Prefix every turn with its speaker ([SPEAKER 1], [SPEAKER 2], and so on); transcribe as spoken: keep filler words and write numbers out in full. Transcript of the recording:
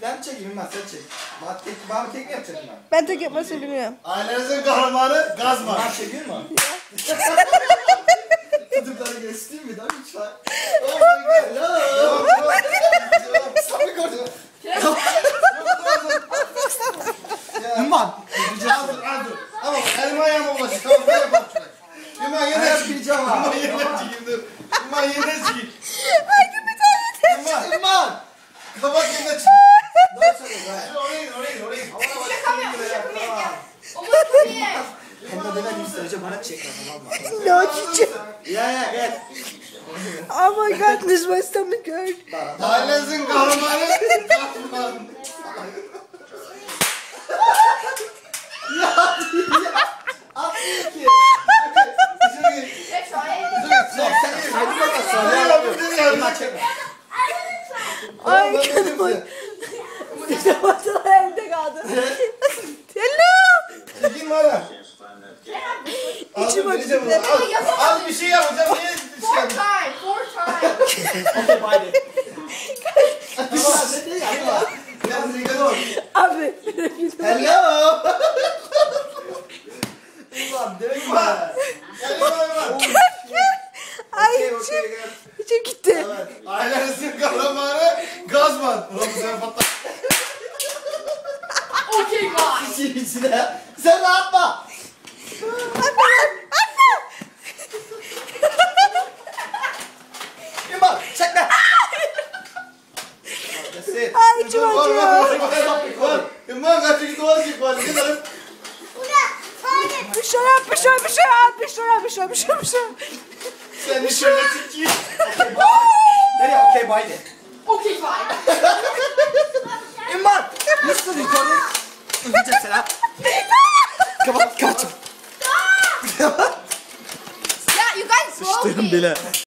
[SPEAKER 1] Ben çekeyim ben sen çek. Bana tek, bana tek mi yapacaksın ben?
[SPEAKER 2] Ben tek yapmasını bilmiyorum.
[SPEAKER 3] Ailenizin kahramanı Gazman.
[SPEAKER 1] Bana çekiyor mu? Tutukları göstereyim mi? Daha lütfen.
[SPEAKER 3] Oh my god.
[SPEAKER 1] Hello. Sapı gördüm. Ümman.
[SPEAKER 3] Al dur al dur. Ama elim ayağıma ulaşır. Tamam ben yapalım şurayı. Ümman yine
[SPEAKER 1] Ben
[SPEAKER 3] çekeyim.
[SPEAKER 1] yapacağım ha.
[SPEAKER 3] Ümman yine çekeyim dur. Ümman yine çekeyim.
[SPEAKER 2] Hangi bir tane yeter?
[SPEAKER 3] Ümman.
[SPEAKER 1] Ümman.
[SPEAKER 3] Kabak yine çekeyim.
[SPEAKER 1] Daha çabuk be.
[SPEAKER 3] Oraya oraya oraya.
[SPEAKER 1] Havana bak. Hem de demek isterce bana çek tamam mı?
[SPEAKER 2] No, çiçek.
[SPEAKER 1] Ya ya gel.
[SPEAKER 2] Oh my god, this my stomach hurt.
[SPEAKER 3] Ailenizin kahramanı Gazman.
[SPEAKER 1] Atmıyor ki.
[SPEAKER 3] Şurayı.
[SPEAKER 1] Hadi bakalım sonra yapıyorum. Ümman çekme.
[SPEAKER 2] Ay canım. Fotoğraflar evde kaldı. Hello.
[SPEAKER 3] Çekeyim mi hala?
[SPEAKER 2] İçim
[SPEAKER 3] Al,
[SPEAKER 2] acıdı.
[SPEAKER 3] al, al bir şey yapacağım. Niye bir şey yapacağım?
[SPEAKER 1] Okay bye de. Tamam sen de yapma.
[SPEAKER 3] Biraz dikkat ol.
[SPEAKER 2] Abi.
[SPEAKER 1] Hello. Ümman demek mi?
[SPEAKER 3] Gel Ümman.
[SPEAKER 2] Ay
[SPEAKER 1] Okey okey
[SPEAKER 2] içim,
[SPEAKER 1] gel.
[SPEAKER 2] içim gitti.
[SPEAKER 3] Evet. Ailenizin kahramanı Gazman. Ulan bu sefer patlar.
[SPEAKER 1] İçin içine. Sen rahatma. Ümman çekme. That's it.
[SPEAKER 2] Ay içim
[SPEAKER 3] Var var
[SPEAKER 2] acıyor.
[SPEAKER 3] var var. Ümman kaçı git dolar çık var. Gidelim.
[SPEAKER 2] Bir şey yap, bir şey, bir şey yap, bir şey yap, bir şey, bir şey, bir şey.
[SPEAKER 3] Sen de şöyle çekeyim.
[SPEAKER 1] Okay bye. Nereye okay bye de. Ümman. Nasıl recording? Üzeceğim seni ha. Kapat kapat.
[SPEAKER 2] Yeah, you guys broke me.
[SPEAKER 1] Bile.